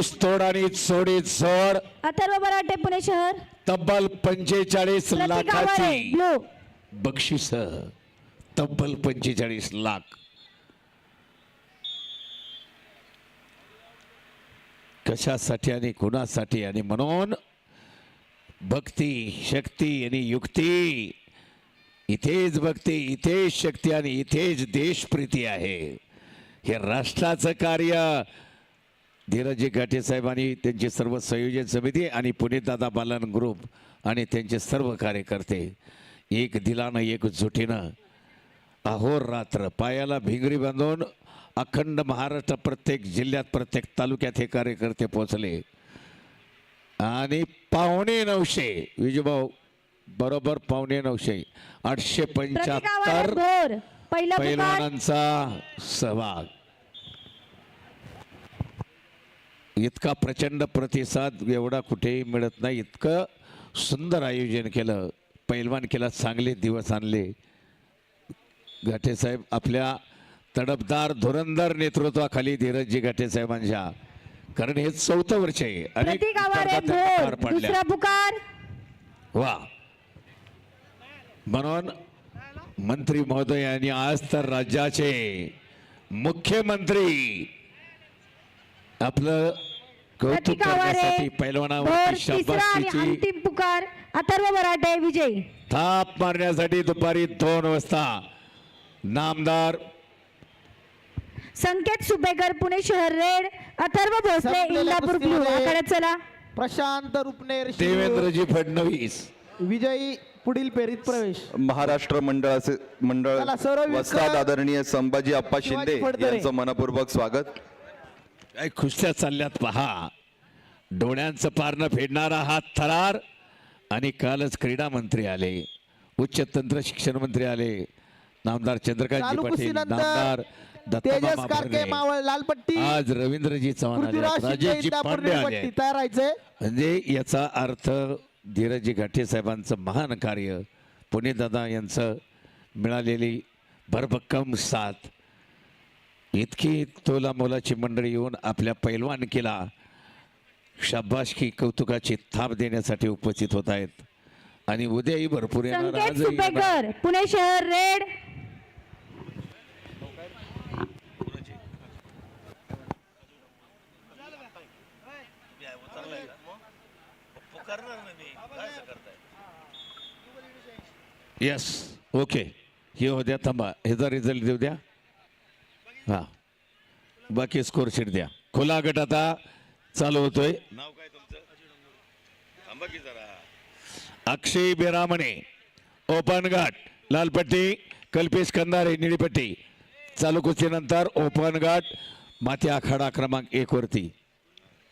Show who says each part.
Speaker 1: ऊस तोड आणि चोडीत जोड
Speaker 2: अथर्व बराटे पुणे शहर.
Speaker 1: तब्बल 45
Speaker 2: प्रतीक आवारे
Speaker 1: लाखाची
Speaker 2: ब्लू.
Speaker 1: बक्षीस तब्बल 45 लाख. कशासाठी आणि कुणासाठी आणि म्हणून भक्ती शक्ती आणि युक्ती इथेच भक्ती इथेच शक्ती आणि इथेच देशप्रीती आहे. हे राष्ट्राचं कार्य धीरजी घाटे साहेब आणि त्यांची सर्व संयोजन समिती आणि पुणेदादा बालन ग्रुप आणि त्यांचे सर्व कार्यकर्ते एक दिलानं एकजुटीनं अहोरात्र पायाला भिंगरी बांधून अखंड महाराष्ट्र प्रत्येक जिल्ह्यात प्रत्येक तालुक्यात हे कार्यकर्ते पोहोचले आणि 9:15 विजयभाऊ बरोबर 9:15 875
Speaker 2: भोर पहिला पुकार.
Speaker 1: पैलवानांचा सहभाग. इतका प्रचंड प्रतिसाद एवढा कुठेही मिळत नाही. इतकं सुंदर आयोजन केलं पैलवान केला. चांगले दिवस आणले घाटे साहेब आपल्या तडफदार धुरंधर नेतृत्वाखाली धीरजजी घाटे साहेबांच्या. कारण हे 4थं वर्ष आहे.
Speaker 2: प्रतीक आवारे भोर दुसरा पुकार.
Speaker 1: वा म्हणून मंत्री महोदयांनी आज तर राज्याचे मुख्यमंत्री आपलं कौतुक
Speaker 2: प्रतीक आवारे
Speaker 1: करण्यासाठी
Speaker 2: भोर
Speaker 1: पैलवानावरती
Speaker 2: तिसरा आणि
Speaker 1: शाबासकीची
Speaker 2: अंतिम पुकार. अथर्व बराटे विजयी.
Speaker 1: थाप मारण्यासाठी दुपारी 2 वाजता नामदार
Speaker 2: संकेत सुपेकर पुणे शहर रेड. अथर्व भोसले इंदापूर ब्लू. आखाड्यात चला.
Speaker 3: प्रशांत रुपनेर
Speaker 1: देवेंद्रजी फडणवीस
Speaker 3: विजयी पुढील फेरीत प्रवेश.
Speaker 4: महाराष्ट्र मंडळ
Speaker 3: चला, सर्व
Speaker 4: वस्ताद आदरणीय संभाजी आप्पा शिंदे
Speaker 3: फडतरे.
Speaker 4: यांचं मनपूर्वक स्वागत.
Speaker 1: काय खुशल्या चालल्यात पहा. डोळ्यांचं पारणं फेडणारा हा थरार. आणि कालच क्रीडा मंत्री आले उच्च तंत्र शिक्षण मंत्री आले नामदार चंद्रकांतजी
Speaker 3: चालू
Speaker 1: पाटील
Speaker 3: कुस्तीनंतर
Speaker 1: नामदार
Speaker 3: तेजस
Speaker 1: दत्तामामा
Speaker 3: कारके
Speaker 1: भरणे.
Speaker 3: मावळ लालपट्टी.
Speaker 1: आज रवींद्रजी चव्हाण आले
Speaker 3: पृथ्वीराज शिंदे
Speaker 1: राजेशजी
Speaker 3: इंदापूर
Speaker 1: पांडे आले.
Speaker 3: निळपट्टी. तयार राहायचे.
Speaker 1: म्हणजे याचा अर्थ धीरजी घाटे साहेबांचं महान कार्य पुणेदादा यांचं मिळालेली भरभक्कम साथ इतकी तोला मोलाची मंडळी येऊन आपल्या पैलवानकीला शाबासकी कौतुकाची थाप देण्यासाठी उपस्थित होत आहेत. आणि उद्याही भरपूर येणार.
Speaker 2: संकेत
Speaker 1: आजही येणार.
Speaker 2: सुपेकर पुणे शहर रेड.
Speaker 1: यस ओके हे हो द्या थांबा ह्याचा रिझल्ट देऊ द्या. हा बाकी स्कोर शीट द्या. खुला गट आता चालू होतोय. नाव काय तुमचं? थांबा की जरा. अक्षय बेरामणे ओपन घाट लालपट्टी. कल्पेश कंदारे निळीपट्टी. चालू कुस्तीनंतर ओपन घाट माती आखाडा क्रमांक 1 वरती